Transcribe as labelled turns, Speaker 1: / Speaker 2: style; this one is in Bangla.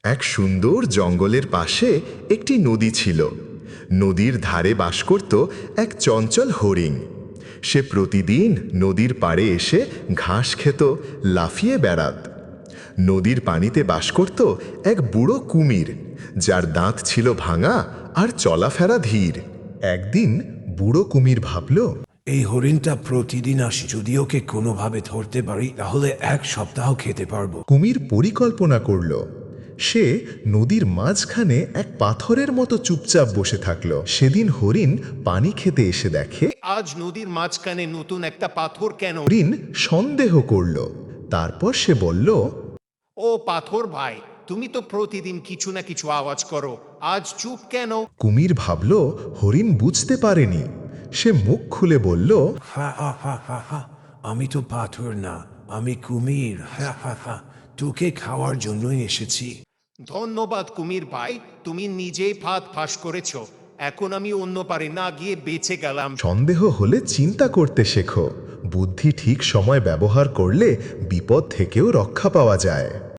Speaker 1: এক সুন্দর জঙ্গলের পাশে একটি নদী ছিল। নদীর ধারে বাস করত এক চঞ্চল হরিণ। সে প্রতিদিন নদীর পাড়ে এসে ঘাস খেত, লাফিয়ে বেড়াত। নদীর পানিতে বাস করত এক বুড়ো কুমির, যার দাঁত ছিল ভাঙা আর চলাফেরা ধীর। একদিন বুড়ো কুমির ভাবল,
Speaker 2: এই হরিণটা প্রতিদিন আসি, যদি ওকে কোনোভাবে ধরতে পারি তাহলে এক সপ্তাহ খেতে পারবো।
Speaker 1: কুমির পরিকল্পনা করল। সে নদীর মাঝখানে এক পাথরের মতো চুপচাপ বসে থাকল। সেদিন হরিণ পানি খেতে এসে দেখে
Speaker 3: আজ নদীর মাঝখানে নতুন একটা পাথর কেন?
Speaker 1: হরিণ সন্দেহ করল। তারপর সে বলল,
Speaker 3: ও পাথর ভাই, তুমি তো প্রতিদিন কিছু না কিছু আওয়াজ করো, আজ চুপ কেন?
Speaker 1: কুমির ভাবল হরিণ বুঝতে পারেনি। সে মুখ খুলে বলল,
Speaker 2: হা হা হা হা হা, আমি তো পাথর না, আমি কুমির। হা হা হা, তোকে খাওয়ার জন্যই এসেছি।
Speaker 3: ধন্যবাদ কুমির ভাই, তুমি নিজেই ফাঁদ ফাঁস করেছো। এখন আমি অন্য পারে না গিয়ে বেঁচে গেলাম।
Speaker 1: সন্দেহ হলে চিন্তা করতে শেখো। বুদ্ধি ঠিক সময় ব্যবহার করলে বিপদ থেকেও রক্ষা পাওয়া যায়।